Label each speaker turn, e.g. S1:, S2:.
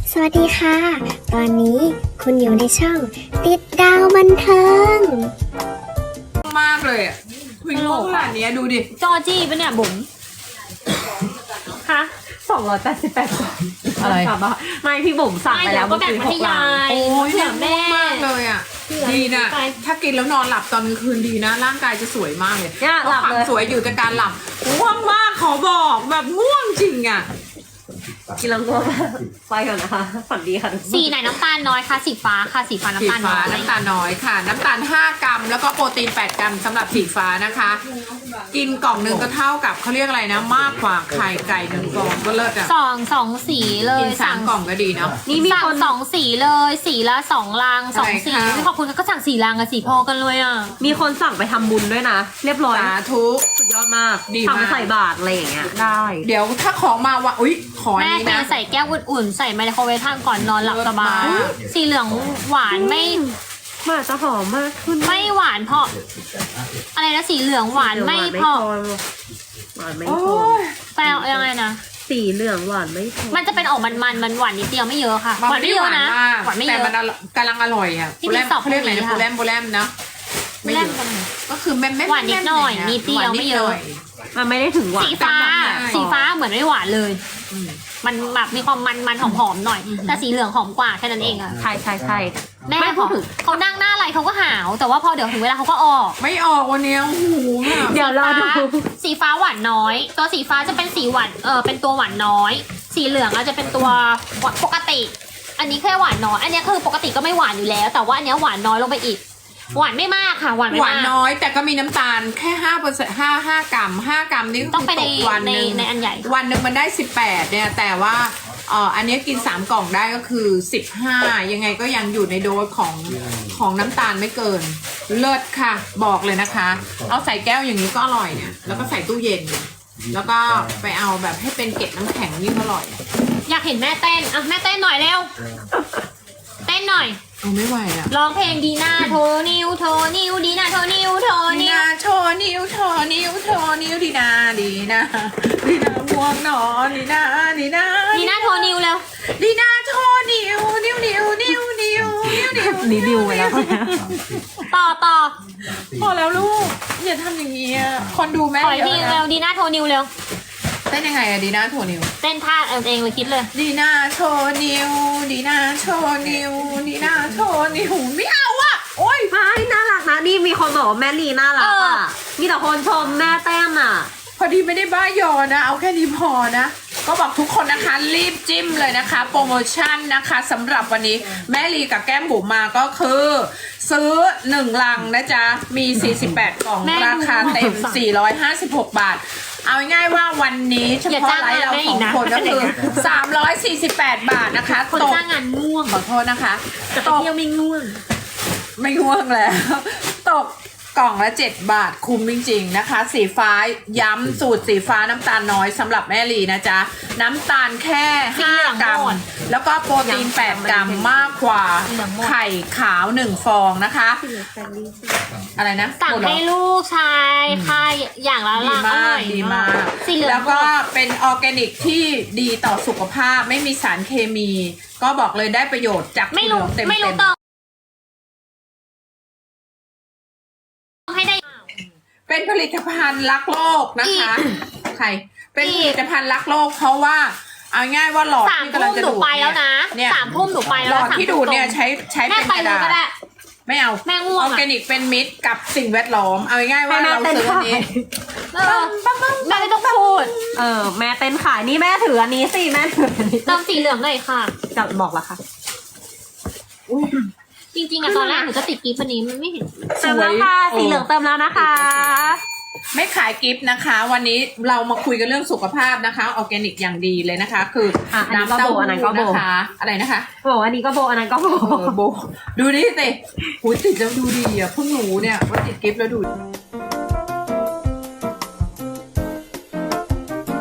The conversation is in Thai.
S1: สวัสดีค่ะ ตอนนี้คุณอยู่ในช่องติดดาวบันเทิง
S2: มากเลยอ่ะคุยงงขนาดนี้ดูดิ
S3: จอจี้ปะเนี่ยบุ๋มฮะ288
S2: อะไร
S3: ไม่พี่บุ๋มสั่งไปแล้ว
S1: ก็แบ่งมาให้ยาย
S2: โอ้ย
S1: เผื่อแม่
S2: มากเลยอ่ะดีนะถ้ากินแล้วนอนหลับตอนกลางคืนดีนะ ร่างกายจะสวยมากเลย
S3: เนี่ยหลับเลย
S2: สวยอยู่แต่การหลับง่วงมากขอบอกแบบง่วงจริงอ่ะ
S3: กินแล้วก็ไปก่อนนะคะฝันดีค่ะทุกคน
S1: สีไหนน้ำตาลน้อยคะสีฟ้าค่ะสีฟ้า
S2: สี
S1: น้ำตาลน้
S2: ฟ้า
S1: อย
S2: น้ำตาลน้อยค่ะ น้ำตาล5 กรัม แล้วก็โปรตีน8 กรัมสำหรับสีฟ้านะคะ กินกล่องหนึงก็เท่ากับเขาเรียกอะไรนะ มากกว่าไข่ไก่1 กล่องก็เลิศอ่ะ
S1: สองสีเล
S2: กิ
S1: ย
S2: น3 กล่องก็ดีเนาะ
S3: นี่มี
S1: สั่ง
S3: คน
S1: สองสีเลยสีละ2 ลัง2 สี
S2: อะไรคะ
S1: ไม่ขอบคุณก็สั่ง4 ลังกับสีพอกันเลยอ่ะ
S3: มีคนสั่งไปทำบุญด้วยนะ เรียบร้อย
S2: สาธุ
S3: สุดยอดมาก
S2: ดีมาก
S3: ทำไปใส่บาตรอะไรอย่างเงี้ยได้
S2: เดี๋ยวถ้าของมาว่าอุ๊ยขออัน
S1: แม่
S2: นี้
S1: เท
S2: นะ
S1: ใส่แก้วอุ่นๆใส่ไมโครเวฟทานก่อนนอนหลับสบาย
S2: เลิศมาก
S1: สีเหลืองหวานไม่
S3: มากจะหอมมากขึ้น
S1: ไม่หวานเพราะอะไรนะสีเหลืองหวานไม่เพราะ
S3: หวานไม่
S2: โอ้
S3: พอย
S1: แปลยังไงนะ
S3: สีเหลืองหวานไม่พอ
S1: มันจะเป็นออกมันหวานนิดเดียวไม่เยอะค่ะหวานไม่เยอะนะ
S2: มาก
S1: หวานไม่เย
S2: แต่
S1: อะ
S2: มันกำลังอร่อยอ่ะ
S1: ที่
S2: โบแลม
S1: มีสอง
S2: เขาเรียกอะไรนะ
S1: ค่ะ
S2: โบแลมเนาะไม่
S1: แร
S2: เย
S1: ก
S2: อะก็คือแม่
S1: หวานนิดหน่อยนิดเดียวไม่เยอะ
S3: มันไม่ได้ถึงหวาน
S1: สีฟ้า สีฟ้าเหมือนไม่หวานเลย
S2: อืม
S1: มันแบบมีความมันหอมๆหน่อย แต่สีเหลืองหอมกว่าแค่นั้นเองอะ
S3: ใช่ใช่ใช่
S1: แม่
S3: ไม่พูดถึง
S1: เขานั่งหน้าอะไรเขาก็หาว แต่ว่าพอเดี๋ยวถึงเวลาเขาก็ออก
S2: ไม่ออกวันเนี้ยโอ้โหแบบ
S3: เดี๋ยวรอดู
S1: สีฟ้าหวานน้อย ตัวสีฟ้าจะเป็นสีหวานเป็นตัวหวานน้อย สีเหลืองอาจจะเป็นตัวปกติ อันนี้แค่หวานน้อย อันนี้คือปกติก็ไม่หวานอยู่แล้ว แต่ว่าอันนี้หวานน้อยลงไปอีก หวานไม่มากค่ะ หวานไม่
S2: หวาน
S1: มาก
S2: น้อยแต่ก็มีน้ำตาลแค่5% 5 กรัม 5 กรัมนี่ก็
S1: ต้อง
S2: คื
S1: ไป
S2: อ
S1: ใน
S2: ตกวันหนึ่ง
S1: ในอันใหญ่
S2: วันหนึ่งมันได้18เนี่ยแต่ว่าอันนี้กิน3 กล่องได้ก็คือ15ยังไงก็ยังอยู่ในโดสของน้ำตาลไม่เกิน เลิศค่ะบอกเลยนะคะ เอาใส่แก้วอย่างนี้ก็อร่อยเนี่ยแล้วก็ใส่ตู้เย็น แล้วก็ไปเอาแบบให้เป็นเกล็ดน้ำแข็งยิ่งอร่อย
S1: อยากเห็นแม่เต้นอ่ะแม่เต้นหน่อยเร็ว เต้นหน่อย
S2: เอาไม่ไหวอ่ะ
S1: ร้องเพลงดีน่าโทนิวโทนิวดีน่าโทนิวโท
S2: ดี
S1: นิว
S2: นาโชว์นิ้วโชว์นิ้วโชว์นิ้วดีนาดีนาดีนาง่วงนอนดีนาดีนา
S1: ดีน่าโทนิวเร็ว
S2: ดีนาโชว์นิ้วนิ้วนิ้วนิ้วนิ้วนิ้วนิ้ว
S3: รีวิวไปแล้ว
S1: ต่อ
S2: พอแล้วลูกอย่าทำอย่างนี้อะคนดูแม่
S1: ขออีก
S2: เย
S1: ที
S2: อะ
S1: เร็
S2: นะ
S1: วดีน่าโทนิวเร็ว
S2: เต้นยังไงอะดีนาโชว์นิ้ว
S1: เต้นท่าเอาเองเลยคิดเลย
S2: ดีนาโชว์นิ้วดีนาโชว์นิ้วดีนาโชว์นิ้วไม่เอาอะโอ๊ย
S3: ไม่น่ารักนะนี่มีคนบอกว่าแม่ลีน่ารักอ่ะมีแต่คนชมแม่แต้มอ่ะ
S2: พอดีไม่ได้บ้ายอนะ เอาแค่นี้พอนะ ก็บอกทุกคนนะคะรีบจิ้มเลยนะคะ โปรโมชั่นนะคะสำหรับวันนี้แม่ลีกับแก้มบุ๋มมาก็คือ ซื้อ1 ลังนะจ๊ะ มี 48 กล่อง
S1: แม่ดู
S2: ราคาเต็ม 456 บาท เอาง่ายๆว่าวันนี้เฉ
S1: อย่า
S2: พาะ
S1: จ้าง
S2: ไลฟ์เรา
S1: แม่
S2: ส
S1: อี
S2: อก ง
S1: นะ
S2: คนก็คือ 348 บาทนะคะ
S1: คน
S2: ตก
S1: จ้างงานง่วง
S2: ขอโทษนะคะ
S1: จะไป
S2: ตก
S1: เที่ยวไม่ง่วง
S2: ไม่ง่วงแล้ว ตกกล่องละ 7 บาทคุ้มจริงๆนะคะ สีฟ้าย้ำสูตรสีฟ้าน้ำตาลน้อยสำหรับแม่ลีนะจ๊ะ น้ำตาลแค่ 5 กรัม แล้วก็โปรตีน 8 กรัมมากกว่าไข่ขาว 1 ฟองนะคะ อะไรนะ
S1: สั่งให้ลูกชายค่ะอย่างละ
S2: ดี
S1: ลังอ
S2: มา
S1: ร่
S2: ก
S1: อย
S2: ดีมาก
S1: สีเหลือง
S2: แล้วก็เป็นออร์แกนิกที่ดีต่อสุขภาพไม่มีสารเคมี ก็บอกเลยได้ประโยชน์จาก
S1: ไม่รู้
S2: ถั่วเหลืองเต็ม
S1: ไม่รู้
S2: ๆ
S1: ต้องให้ได้
S2: เป็นผลิตภัณฑ์รักโลกนะคะ ใคร เป็นผลิตภัณฑ์รักโลกเพราะว่า เอาง่ายว่าหลอด
S1: 3
S2: ที่กำลั
S1: ทุ่
S2: ง
S1: ม
S2: จะ
S1: หนู
S2: ดูด
S1: ไปแล้วนะ
S2: เนี่ย
S1: 3 ทุ่มหนูไป
S2: ห
S1: แล้
S2: ล
S1: ว
S2: อดที่ดูดเนี่ยใช้
S1: แม่
S2: เป็น
S1: ไป
S2: กระ
S1: เลย
S2: ดาษ
S1: ก็ได้
S2: ไม่เอา
S1: แม่ง่วง
S2: อ
S1: อะ
S2: อร์แกนิกเป็นมิตรกับสิ่งแวดล้อม เอาง่ายๆว่าเราซื้ออันนี้
S1: เออแม่ไม่ต้องพูด
S3: แม่เต้นขายนี่แม่ถืออันนี้สิแม่ถืออันนี้
S1: เติมสีเหลืองเลยค่ะ
S3: จะบอกละค่ะ
S1: จริงๆอะตอนแรกหนูจะติดกีฟอันนี้มันไม่เห็น
S3: เติมแล้วค่ะสีเหลืองเติมแล้วนะคะ
S2: ไม่ขายกิฟต์นะคะ วันนี้เรามาคุยกันเรื่องสุขภาพนะคะออร์แกนิกอย่างดีเลยนะคะ คืออะ
S3: อันนี้ก็
S2: น้ำเต้า
S3: โบอันนั้นก็
S2: หู้
S3: โบ
S2: นะคะ อะไรนะคะ
S3: บอกอันนี้ก็โบอันนั้นก็โบ
S2: โบดูดิสิหูติดแล้วดูดีอ่ะเพิ่งรู้เนี่ยว่าติดกิฟต์แล้วดูดี